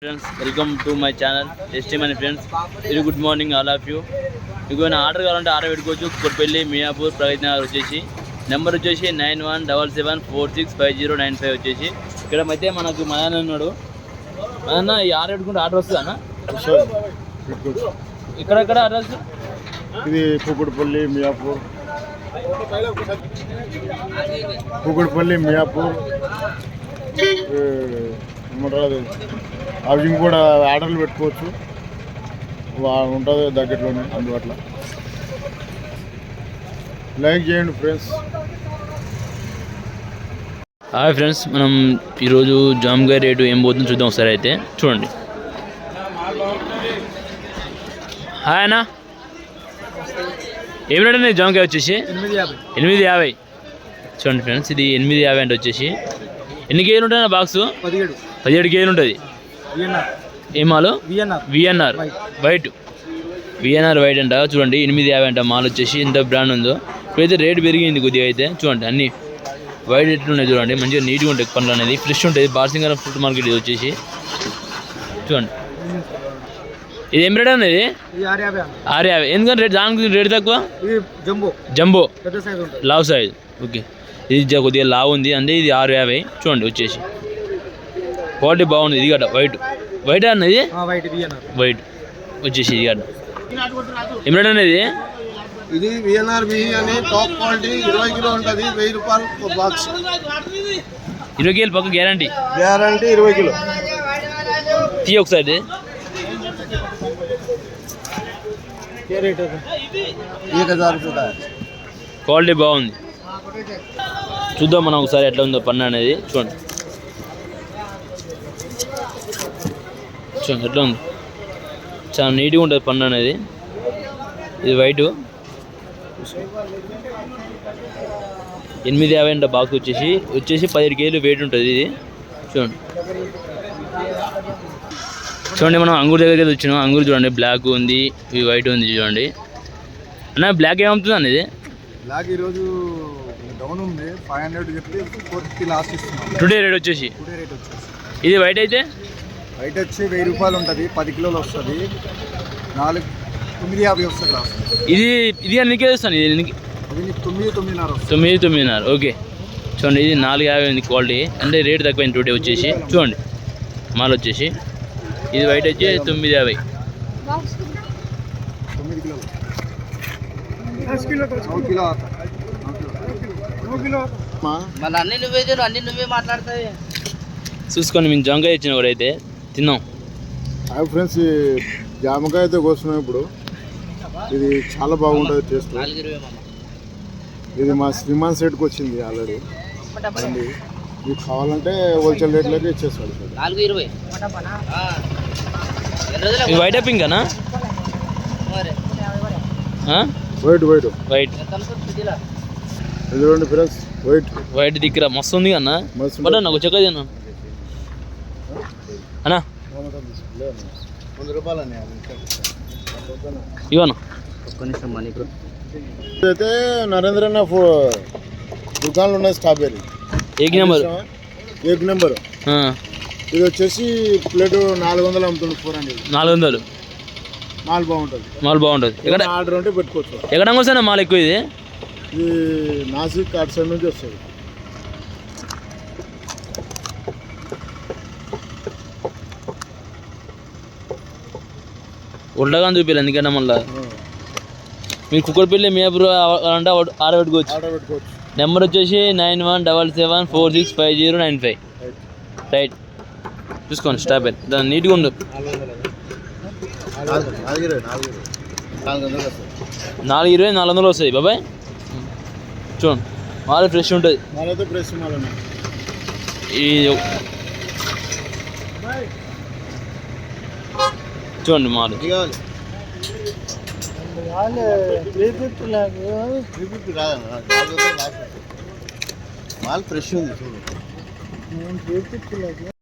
Friends, welcome to my channel. Testimony friends, very good morning all of you. మీకు ఏమైనా order కావాలంటే order పెట్టుకోవచ్చు. కుక్కట్పల్లి మియాపూర్ ప్రగతి నగర్ వచ్చేసి నెంబర్ వచ్చేసి 9177465095 వచ్చేసి ఇక్కడ మధ్య మనకు మదన్న ఉన్నాడు. మదన్న ఈ ఆర్డర్ పెట్టుకుంటే ఆర్డర్ వస్తుందా అన్న? ఇక్కడ అడ్రస్ ఇది కుక్కట్పల్లి మియాపూర్ ఏమంటారు హౌసింగ్ కూడా ఆర్డర్లు పెట్టుకోవచ్చు, ఉంటుంది దగ్గరలోనే అందుబాటులో. లైక్ చేయండి ఫ్రెండ్స్. హాయ్ ఫ్రెండ్స్, మనం ఈరోజు జామకాయ రేటు ఏం పోతుందో చూద్దాం ఒకసారి. అయితే చూడండి. హాయ్ అన్న, ఏం రేట్ అండి జామకాయ వచ్చేసి? 850. చూడండి ఫ్రెండ్స్, ఇది 850 అంటే వచ్చేసి ఎన్ని కేజీలు ఉంటుంది అన్న బాక్స్? 17 కేజీలు ఉంటుంది. ఏ మాలు? VNR white. విఎన్ఆర్ వైట్ అంట. చూడండి 850 అంట. మాల్ వచ్చేసి ఎంత బ్రాండ్ ఉందో. ఇప్పుడైతే రేట్ పెరిగింది కొద్దిగా. అయితే చూడండి అన్ని వైట్ ఎట్లున్నాయి చూడండి. మంచిగా నీట్గా ఉంటాయి పండ్లు అనేది, ఫ్రెష్ ఉంటుంది. బార్సింగర్ ఫ్రూట్ మార్కెట్ ఇది వచ్చేసి చూడంండి. ఇది ఏం రేట్ అనేది? 650. ఎందుకంటే రేట్ దానికి రేట్ తక్కువ. జంబో లావ్ సైజ్. ఓకే, ఇది కొద్దిగా లావ్ ఉంది అంటే ఇది 650. చూడండి వచ్చేసి క్వాలిటీ బాగుంది. ఇది గడ్డ వైట్ అన్నది వైట్ వచ్చేసి ఇది గడ్డ ఏం రేట్ అనేది? ఇది విఎన్ఆర్ అని టాప్ క్వాలిటీ 20 కిలో ఉంటుంది. 1000 రూపాయలు బాక్స్. 20 కేజీలు పక్క గ్యారంటీ 20 కిలో. తీ ఒకసారి. క్వాలిటీ బాగుంది. చూద్దాం మనం ఒకసారి ఎట్లా ఉందో పన్ను అనేది. చూడండి ఎట్లా ఉంది. చాలా నీట్గా ఉంటుంది పన్ను అనేది. ఇది వైటు 850 అంట బాక్స్ వచ్చేసి 17 కేజీలు వెయిట్ ఉంటుంది ఇది. చూడండి మనం అంగూరు దగ్గరికి వచ్చినాం. అంగూరు చూడండి బ్లాక్ ఉంది, ఇది వైట్ ఉంది. చూడండి అన్న, బ్లాక్ ఏమవుతుంది అన్న? ఇది బ్లాక్ ఈరోజు డౌన్ ఉంది. 500 చెప్పి 450 లాస్ట్ ఇస్తున్నాం. టుడే రేట్ వచ్చేసి. ఇది వైట్ అయితే వైట్ వచ్చి 1000 రూపాయలు ఉంటుంది. 10 కిలోలు వస్తుంది. 950 వస్తుంది లాస్ట్. ఇది అన్నికే వస్తాను. ఇది 9-9.5. ఓకే చూడండి, ఇది 450 ఉంది క్వాలిటీ. అంటే రేట్ తక్కువైంది టుడే వచ్చేసి. చూడండి మాల్ వచ్చేసి ఇది వైట్ వచ్చి 950. 9 కిలో. చూసుకోండి. మేము జామకాయ ఇచ్చిన కూడా అయితే తిన్నాం. హాయ్ ఫ్రెండ్స్, జామకాయ అయితే కోస్తున్నాం ఇప్పుడు. ఇది చాలా బాగుంటుంది టేస్ట్. ఇది మా శ్రీమాన్ సెట్కి వచ్చింది ఆల్రెడీ. మీకు కావాలంటే హోల్సేల్ రేట్లోకి ఇచ్చేస్తాడు. వైట్ పింక్ అనా? వైట్ ఎదురండి ఫ్రెండ్స్. వైట్ దగ్గర మస్తు ఉంది అన్న. బట్ నాకు చెక్క తిన్నా అన్నా. 100 రూపాయలు ఇవన్నా. అయితే నరేంద్ర అన్న దుకాణాలు ఉన్నాయి. స్ట్రాబెర్రీ ఏక్ నెంబర్. ఇది వచ్చేసి ప్లేట్ 400 అమ్ముతుంది. 400. మాల్ బాగుంటుంది. ఎక్కడ ఆర్డర్ ఉంటే పెట్టుకోవచ్చు. ఎక్కడ వస్తానా మాల్ ఎక్కువ? ఇది నాసిక్ అటు సైడ్ నుంచి వస్తుంది. ఉల్టగా చూపించాలి. ఎందుకంటే మళ్ళీ మీరు కుక్కట్పల్లి మియాపూర్ అంటే ఆర్డర్ పెట్టుకోవచ్చు. నెంబర్ వచ్చేసి 9177465095. రైట్ చూసుకోండి. స్టాబెల్ దాన్ని నీట్గా ఉండదు. 420-400 వస్తుంది బాబాయ్. చూడండి మాల్ ఫ్రెష్ ఉంటుంది. చూడండి మాల్ మాల్ ఫ్రెష్ ఉంది.